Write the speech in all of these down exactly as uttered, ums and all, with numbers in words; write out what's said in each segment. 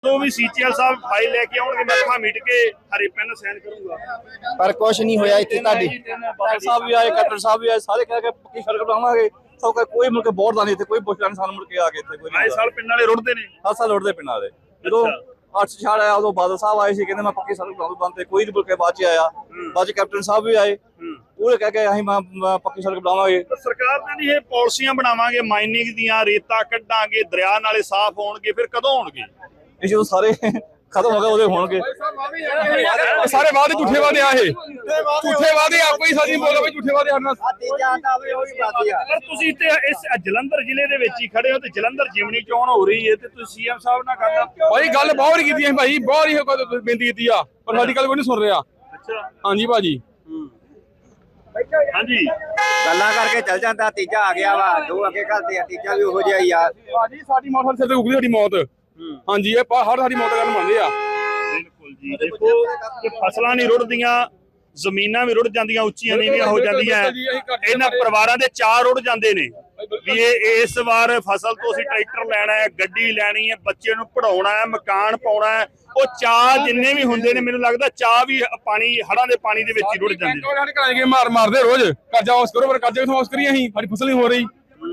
तो भी सीचीएल साहब फाइल लेके आउणगे मैं अखां मीट के हरे पेन साइन करूंगा पर कुछ नहीं होया इत्थे ताडी डॉक्टर साहब भी आए कैप्टन साहब भी आए सारे कह के पक्की सड़क बनावांगे सब का कोई मुड़ के बोर्ड दा नहीं थे कोई पुछदा नहीं सानू मुड़ के आ गए थे कोई आए साल पिंड वाले रुड़दे ने हर साल उड़दे पिंड वाले ਜਦੋਂ ਅੱਠ ਛਾੜ ਆਇਆ ਉਦੋਂ ਬਾਦਲ ਸਾਹਿਬ ਆਏ ਸੀ ਕਹਿੰਦੇ ਮੈਂ ਪੱਕੀ ਸੜਕ ਬਣਾਉਂ ਬੰਦੇ ਕੋਈ ਨਹੀਂ ਮੁੜ ਕੇ ਬਾਅਦ ਚ ਆਇਆ ਬਾਅਦ ਚ ਕੈਪਟਨ ਸਾਹਿਬ ਵੀ ਆਏ ਉਹ ਕਹਿ ਕੇ ਅਸੀਂ ਪੱਕੀ ਸੜਕ ਬਣਾਵਾਂਗੇ ਸਰਕਾਰ ਨੇ ਨਹੀਂ ਇਹ ਪਾਲਿਸੀਆਂ ਬਣਾਵਾਂਗੇ ਮਾਈਨਿੰਗ ਦੀਆਂ ਰੇਤਾ ਕੱਢਾਂਗੇ ਦਰਿਆ ਨਾਲੇ ਸਾਫ਼ ਹੋਣਗੇ ਫਿਰ ਕਦੋਂ ਹੋਣਗੇ ਇਹ ਜਦੋਂ ਸਾਰੇ खत्म हो गए ਉਹਦੇ ਹੋਣਗੇ ਸਾਰੇ ਵਾਅਦੇ ਝੂਠੇ ਵਾਅਦੇ ਆ ਇਹ ਝੂਠੇ ਵਾਅਦੇ ਆ ਕੋਈ ਸੱਚ ਨਹੀਂ ਬੋਲਦਾ ਬਈ ਝੂਠੇ ਵਾਅਦੇ ਹਰਨਾ ਪਰ ਤੁਸੀਂ ਤੇ ਇਸ ਜਲੰਧਰ ਜ਼ਿਲ੍ਹੇ ਦੇ ਵਿੱਚ ਹੀ ਖੜੇ ਹੋ ਤੇ ਜਲੰਧਰ ਜਿਮਣੀ ਚੋਣ ਹੋ ਰਹੀ ਹੈ ਤੇ ਤੁਸੀਂ ਸੀਐਮ ਸਾਹਿਬ ਨਾਲ ਗੱਲ ਭਾਈ ਗੱਲ ਬਹੁਤ ਹੀ ਕੀਤੀ ਹੈ ਭਾਈ ਬਹੁਤ ਹੀ ਬੇਨਤੀ ਕੀਤੀ ਆ ਪਰ ਸਾਡੀ ਗੱਲ ਕੋਈ ਨਹੀਂ ਸੁਣ ਰਿਹਾ ਅੱਛਾ ਹਾਂਜੀ ਭਾਜੀ ਹਾਂਜੀ ਗੱਲਾਂ ਕਰਕੇ ਚੱਲ ਜਾਂਦਾ ਤੀਜਾ ਆ ਗਿਆ ਵਾ ਦੋ ਅੱਗੇ ਘਲਦੇ ਆ ਤੀਜਾ ਵੀ ਉਹੋ ਜਿਹਾ ਹੀ ਆ ਭਾਜੀ ਸਾਡੀ ਮੌਤ ਸਿਰ ਤੇ ਉਗਲੀ ਸਾਡੀ ਮੌਤ ਹਾਂਜੀ ਇਹ ਹਰ ਸਾਡੀ ਮੌਤ ਕਰਨ ਮੰਨਦੇ ਆ ਬਿਲਕੁਲ ਜੀ ਦੇਖੋ ਕਿ ਫਸਲਾਂ ਨਹੀਂ ਰੁੜਦੀਆਂ ਜ਼ਮੀਨਾਂ ਵੀ ਰੁੜ ਜਾਂਦੀਆਂ ਉੱਚੀਆਂ ਨੀਵੀਆਂ ਹੋ ਜਾਂਦੀਆਂ ਇਹਨਾਂ ਪਰਿਵਾਰਾਂ ਦੇ ਚਾਰ ਰੁੜ ਜਾਂਦੇ ਨੇ ਵੀ ਇਹ ਇਸ ਵਾਰ ਫਸਲ ਤੋਂ ਅਸੀਂ ਟਰੈਕਟਰ ਲੈਣਾ ਹੈ ਗੱਡੀ ਲੈਣੀ ਹੈ ਬੱਚੇ ਨੂੰ ਪੜਾਉਣਾ ਹੈ ਮਕਾਨ ਪਾਉਣਾ ਹੈ ਉਹ ਚਾਹ ਜਿੰਨੇ ਵੀ ਹੁੰਦੇ ਨੇ ਮੈਨੂੰ ਲੱਗਦਾ ਚਾਹ ਵੀ ਪਾਣੀ ਹੜਾਂ ਦੇ ਪਾਣੀ ਦੇ ਵਿੱਚ ਹੀ ਰੁੜ ਜਾਂਦੇ ਨੇ ਸਾਡੇ ਘਰਾਂ ਕੇ ਮਾਰ ਮਾਰਦੇ ਰੋਜ਼ ਕਰਜ਼ਾ ਵਾਪਸ ਕਰੋ ਪਰ ਕਰਜ਼ਾ ਕਿਥੋਂ ਵਾਪਸ ਕਰੀਏ ਅਸੀਂ ਸਾਡੀ ਫਸਲ ਨਹੀਂ ਹੋ ਰਹੀ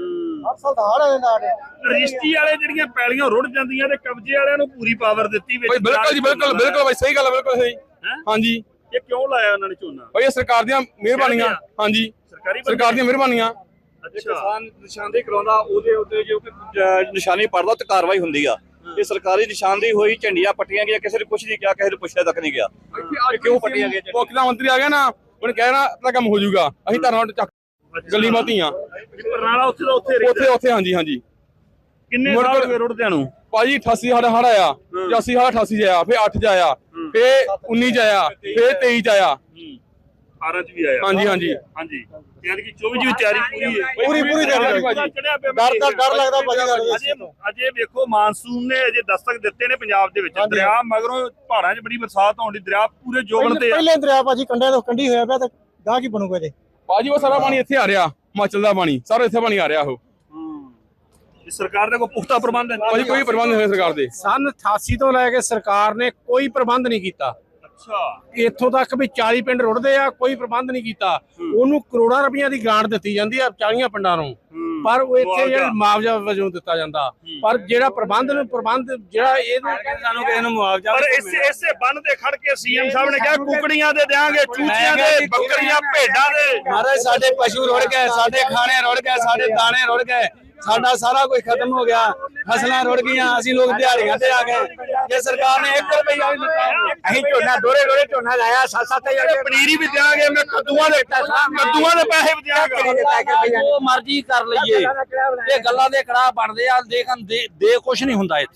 ਰਜਿਸਟਰੀ ਵਾਲੇ ਜਿਹੜੀਆਂ ਪੈਲੀਆਂ ਰੁੜ ਜਾਂਦੀਆਂ ਤੇ ਕਬਜ਼ੇ ਵਾਲਿਆਂ ਨੂੰ ਪੂਰੀ ਪਾਵਰ ਦਿੱਤੀ ਵਿੱਚ ਬਿਲਕੁਲ ਜੀ ਬਿਲਕੁਲ ਬਿਲਕੁਲ ਬਾਈ ਸਹੀ ਗੱਲ ਹੈ ਬਿਲਕੁਲ ਸਹੀ ਹਾਂਜੀ ਇਹ ਕਿਉਂ ਲਾਇਆ ਉਹਨਾਂ ਨੇ ਝੋਨਾ ਭਾਈ ਇਹ ਸਰਕਾਰ ਦੀਆਂ ਮਿਹਰਬਾਨੀਆਂ ਹਾਂਜੀ ਸਰਕਾਰੀ ਸਰਕਾਰ ਦੀਆਂ ਮਿਹਰਬਾਨੀਆਂ ਕਿਸਾਨ ਨਿਸ਼ਾਨਦੇਹੀ ਕਰਾਉਂਦਾ ਉਹਦੇ ਉੱਤੇ ਜੋ ਨਿਸ਼ਾਨੀ ਪੜਦਾ ਤੇ ਕਾਰਵਾਈ ਹੁੰਦੀ ਆ ਇਹ ਸਰਕਾਰੀ ਨਿਸ਼ਾਨਦੇਹੀ ਹੋਈ ਝੰਡੀਆਂ ਪੱਟੀਆਂ ਗਿਆ ਕਿਸੇ ਨੇ ਕੁਝ ਨਹੀਂ ਕਿਹਾ ਕਿਸੇ ਨੇ ਪੁੱਛਿਆ ਤੱਕ ਨਹੀਂ ਗਿਆ ਕਿਉਂ ਪੱਟੀਆਂ ਗਈਆਂ ਮੁੱਖ ਮੰਤਰੀ ਆ ਗਿਆ ਨਾ ਉਹਨੇ ਕਹਿਣਾ ਤਾਂ ਕੰਮ ਹੋ ਜਾਊਗਾ ਅਸੀਂ ਧਰਨਾ ਚੱਕ ਗੱਲੀ ਮਾਤੀਆਂ ਪਰਨਾਲਾ ਉੱਥੇ ਦਾ ਉੱਥੇ ਉੱਥੇ ਉੱਥੇ ਹਾਂਜੀ ਹਾਂਜੀ ਕਿੰਨੇ ਸਾਲ ਹੋ ਗਏ ਰੁੜਦਿਆਂ ਨੂੰ ਭਾਜੀ ਅਠਾਸੀ ਸਾਡਾ ਹੜ ਆਇਆ ਪਚਾਸੀ ਸਾਡਾ ਅਠਾਸੀ ਚ ਆਇਆ ਫਿਰ ਅੱਠ ਚ ਆਇਆ ਫਿਰ ਉੱਨੀ ਚ ਆਇਆ ਫਿਰ ਤੇਈ ਚ ਆਇਆ ਅਠਾਰਾਂ ਚ ਵੀ ਆਇਆ ਹਾਂਜੀ ਹਾਂਜੀ ਹਾਂਜੀ ਯਾਨੀ ਕਿ ਚੌਵੀ ਦੀ ਤਿਆਰੀ ਪੂਰੀ ਹੈ ਪੂਰੀ ਪੂਰੀ ਤਿਆਰੀ ਭਾਜੀ ਡਰ ਦਾ ਡਰ ਲੱਗਦਾ ਭਾਜੀ ਅਜੇ ਅਜੇ ਵੇਖੋ ਮਾਨਸੂਨ ਨੇ ਅਜੇ ਦਸਤਕ ਦਿੱਤੇ ਨੇ ਪੰਜਾਬ ਦੇ ਵਿੱਚ ਦਰਿਆ ਮਗਰੋਂ ਪਹਾੜਾਂ 'ਚ ਬੜੀ ਬਰਸਾਤ ਹੋਣ ਦੀ ਦਰਿਆ ਪੂਰੇ ਜੋਬਨ ਤੇ ਪਹਿਲੇ ਦਰਿਆ ਭਾਜੀ ਕੰਢਿਆਂ ਤੋਂ ਕੰਢੀ ਹੋਇਆ ਪਿਆ ਤੇ ਗਾਹ ਕੀ ਬਣੂਗਾ ਜੇ ਭਾਜੀ ਉਹ ਸਾਰਾ ਪਾਣੀ ਇੱਥੇ ਆ ਰਿਹਾ ਹਿਮਾਚਲ ਦਾ ਪਾਣੀ ਸਾਰਾ ਇੱਥੇ ਪਾਣੀ ਆ ਰਿਹਾ ਉਹ ਸਰਕਾਰ ਦੇ ਕੋਈ ਪੁਖਤਾ ਪ੍ਰਬੰਧ ਹੈ ਭਾਜੀ ਕੋਈ ਪ੍ਰਬੰਧ ਨਹੀਂ ਹੋਇਆ ਸਰਕਾਰ ਦੇ ਸਨ ਅਠਾਸੀ ਤੋਂ ਲੈ ਕੇ ਸਰਕਾਰ ਨੇ ਕੋਈ ਪ੍ਰਬੰਧ ਨਹੀਂ ਕੀਤਾ ਅੱਛਾ ਇੱਥੋਂ ਤੱਕ ਵੀ ਚਾਲੀ ਪਿੰਡ ਰੁੜਦੇ ਆ ਕੋਈ ਪ੍ਰਬੰਧ ਨਹੀਂ ਕੀਤਾ ਉਹਨੂੰ ਕਰੋੜਾਂ ਰੁਪਈਆ ਦੀ ਗ੍ਰਾਂਟ ਦਿੱਤੀ ਜਾਂਦੀ ਆ ਚਾਲੀਆਂ ਪਿੰਡਾਂ ਨੂੰ ਪਰ ਉਹ ਇੱਥੇ ਜਿਹੜਾ ਮੁਆਵਜ਼ਾ ਵਜੋਂ ਦਿੱਤਾ ਜਾਂਦਾ ਪਰ ਜਿਹੜਾ ਪ੍ਰਬੰਧ ਨੂੰ ਪ੍ਰਬੰਧ ਜਿਹੜਾ ਇਹਨੂੰ ਸਾਨੂੰ ਕਿਸੇ ਨੂੰ ਮੁਆਵਜ਼ਾ ਪਰ ਇਸੇ ਇਸੇ ਬੰਨ ਤੇ ਖੜ ਕੇ ਸੀਐਮ ਸਾਹਿਬ ਨੇ ਕਿਹਾ ਕੁਕੜੀਆਂ ਦੇ ਦੇਾਂਗੇ ਚੂਚੀਆਂ ਦੇ ਬੱਕਰੀਆਂ ਭੇਡਾਂ ਦੇ ਮਹਾਰਾਜ ਸਾਡੇ ਪਸ਼ੂ ਰੁੜ ਗਏ ਸਾਡੇ ਖਾਣੇ ਰੁੜ ਗਏ ਸਾਡੇ ਦਾਣੇ ਰੁੜ ਗਏ ਸਾਡਾ ਸਾਰਾ ਕੁਝ ਖਤਮ ਹੋ ਗਿਆ ਫਸਲਾਂ ਰੁੜ ਗਈਆਂ ਅਸੀਂ ਲੋਕ ਦਿਹਾੜੀਆਂ ਤੇ ਆ ਗਏ ਜੇ ਸਰਕਾਰ ਨੇ ਇੱਕ ਰੁਪਈਆ ਵੀ ਦਿੱਤਾ ਅਸੀਂ ਝੋਨਾ ਦੋਰੇ ਦੋਰੇ ਝੋਨਾ ਲਾਇਆ ਸੱਤ ਸੱਤ ਹਜ਼ਾਰ ਪਨੀਰੀ ਵੀ ਦਿਆਂਗੇ ਮੈਂ ਕੱਦੂਆਂ ਦੇ ਕੱਦੂਆਂ ਦੇ ਪੈਸੇ ਵੀ ਦਿਆਂਗਾ ਉਹ ਮਰਜ਼ੀ ਕਰ ਲਈਏ ਇਹ ਗੱਲਾਂ ਦੇ ਕੜਾਹ ਬਣਦੇ ਆ ਦੇਖਣ ਦੇ ਕੁਝ ਨਹੀਂ ਹੁੰਦਾ ਇੱਥੇ